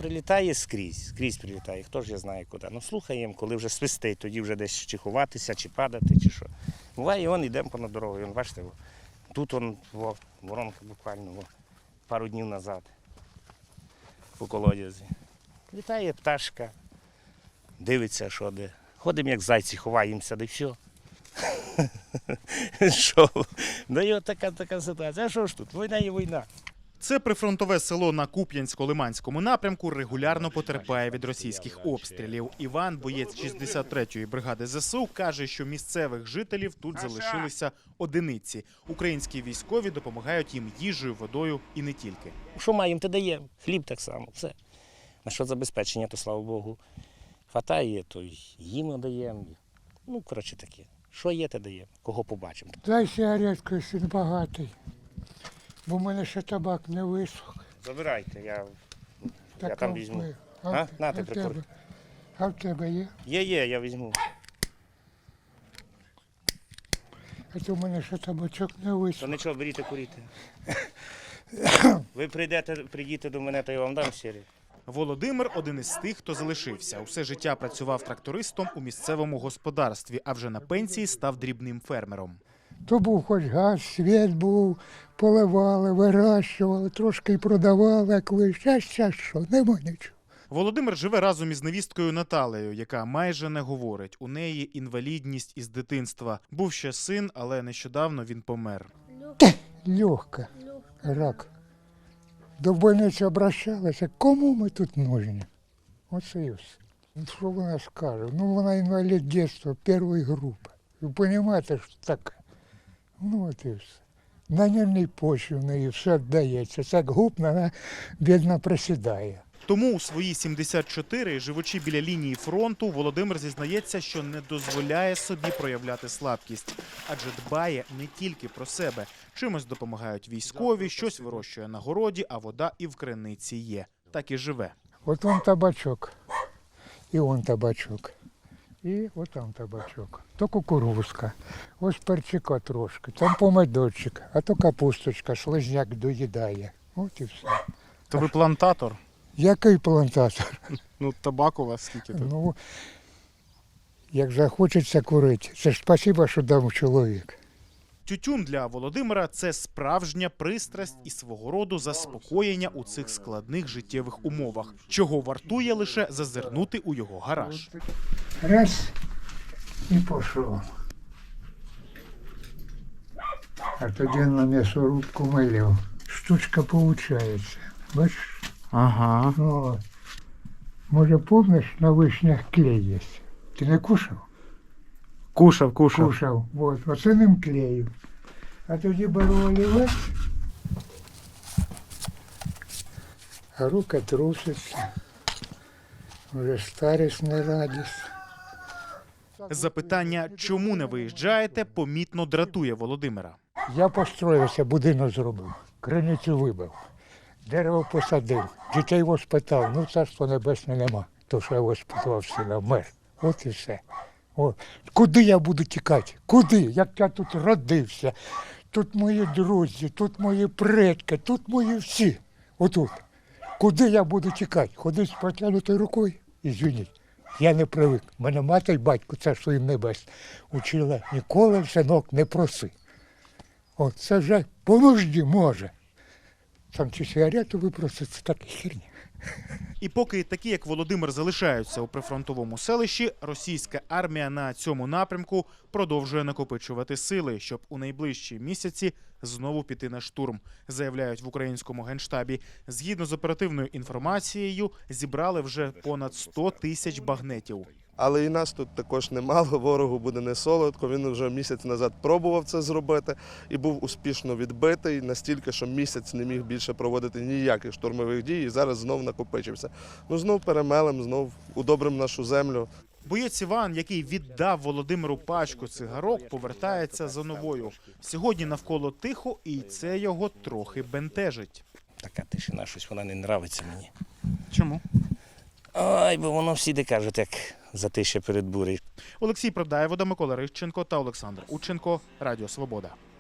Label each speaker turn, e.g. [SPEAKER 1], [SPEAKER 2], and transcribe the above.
[SPEAKER 1] прилітає скрізь прилітає, хто ж я знає куди. Ну слухаємо, коли вже свистить, тоді вже десь чи ховатися, чи падати, чи що. Буває, вон йдемо понад дорогою, вон, бачите, тут воронка буквально пару днів назад по колодязі. Літає пташка, дивиться, що де. Ходимо, як зайці, ховаємося, да й все. Що? Да і от така ситуація. А що ж тут? Війна є війна.
[SPEAKER 2] Це прифронтове село на Куп'янсько-Лиманському напрямку, регулярно потерпає від російських обстрілів. Іван, боєць 63-ї бригади ЗСУ, каже, що місцевих жителів тут залишилися одиниці. Українські військові допомагають їм їжею, водою і не тільки.
[SPEAKER 1] Що маємо, те даємо. Хліб так само, все. На що забезпечення, то слава Богу. Хватає, то їм надаємо. Ну, коротше таке. Що є, те даємо. Кого побачимо.
[SPEAKER 3] Дай сигаретку, якщо не багатий, бо в мене ще табак не висох.
[SPEAKER 1] Забирайте, я
[SPEAKER 3] Так,
[SPEAKER 1] там візьму.
[SPEAKER 3] А
[SPEAKER 1] Нате, прикур.
[SPEAKER 3] А в тебе є?
[SPEAKER 1] Є, я візьму.
[SPEAKER 3] А то в мене ще табачок не висох.
[SPEAKER 1] То нічого, беріть, куріть. Ви прийдете до мене, то я вам дам сірі.
[SPEAKER 2] Володимир – один із тих, хто залишився. Усе життя працював трактористом у місцевому господарстві, а вже на пенсії став дрібним фермером.
[SPEAKER 3] То був хоч газ, світ був, поливали, вирощували, трошки й продавали, як ви. Щас, що, нема нічого.
[SPEAKER 2] Володимир живе разом із невісткою Наталею, яка майже не говорить. У неї інвалідність із дитинства. Був ще син, але нещодавно він помер.
[SPEAKER 3] Легко, рак. До больниці обращалися, кому ми тут нужні? Оце і все. Що вона скаже? Ну, вона інвалід дитинства, першої групи. Ви розумієте, що таке? Ну, от і все. На нервній почві в неї все віддається. Так губно, вона, бідно, присідає.
[SPEAKER 2] Тому у свої 74, живучи біля лінії фронту, Володимир зізнається, що не дозволяє собі проявляти слабкість. Адже дбає не тільки про себе. Чимось допомагають військові, щось вирощує на городі, а вода і в криниці є. Так і живе.
[SPEAKER 3] От вон табачок, і вон табачок, і от там табачок. То кукурузка, ось перчика трошки, там помидорчик, а то капусточка, шлизняк доїдає. От і все.
[SPEAKER 2] То ви плантатор?
[SPEAKER 3] Який плантатор?
[SPEAKER 2] Ну, табак у вас скільки тут?
[SPEAKER 3] Ну, як захочеться курити, це ж спасибо, що дав чоловік.
[SPEAKER 2] Тютюн для Володимира – це справжня пристрасть і свого роду заспокоєння у цих складних життєвих умовах, чого вартує лише зазирнути у його гараж.
[SPEAKER 3] Раз і пішов. А тоді на м'ясорубку малюв. Штучка виходить. Бачиш?
[SPEAKER 2] Ага.
[SPEAKER 3] О, може, пам'ятаєш, на вишнях клей є? Ти не кушав?
[SPEAKER 2] Кушав.
[SPEAKER 3] Кушав. От, оце ним клею. А тоді беру олівець, а рука труситься. Вже старість не радість.
[SPEAKER 2] Запитання, чому не виїжджаєте, помітно дратує Володимира.
[SPEAKER 3] Я построївся, будинок зробив, криницю вибив, дерево посадив, дітей воспитав, ну царство небесне нема, то що я воспитував сина, вмер. От і все. От. Куди я буду тікати? Куди? Як я тут родився, тут мої друзі, тут мої предки, тут мої всі. Отут. Куди я буду тікати? Ходити з протягнутою рукою? Ізвиніть. Я не привик. Мене мати й батько, царство їм небес, учила, ніколи, синок, не проси. От це вже по нужді може. Там чи сигарету випросити, це така херня.
[SPEAKER 2] І поки такі, як Володимир, залишаються у прифронтовому селищі, російська армія на цьому напрямку продовжує накопичувати сили, щоб у найближчі місяці знову піти на штурм, заявляють в українському генштабі. Згідно з оперативною інформацією, зібрали вже понад 100 тисяч багнетів.
[SPEAKER 4] Але і нас тут також немало, ворогу буде не солодко. Він вже місяць назад пробував це зробити і був успішно відбитий, настільки, що місяць не міг більше проводити ніяких штурмових дій і зараз знов накопичився. Ну знов перемелем, знов удобрим нашу землю.
[SPEAKER 2] Боєць Іван, який віддав Володимиру пачку цигарок, повертається за новою. Сьогодні навколо тихо, і це його трохи бентежить.
[SPEAKER 1] Така тишина, щось вона не нравиться мені.
[SPEAKER 2] Чому?
[SPEAKER 1] Ой, бо воно всі кажуть, як затище перед бурею.
[SPEAKER 2] Олексій Продаєвода, Микола Рищенко та Олександр Ученко. Радіо Свобода.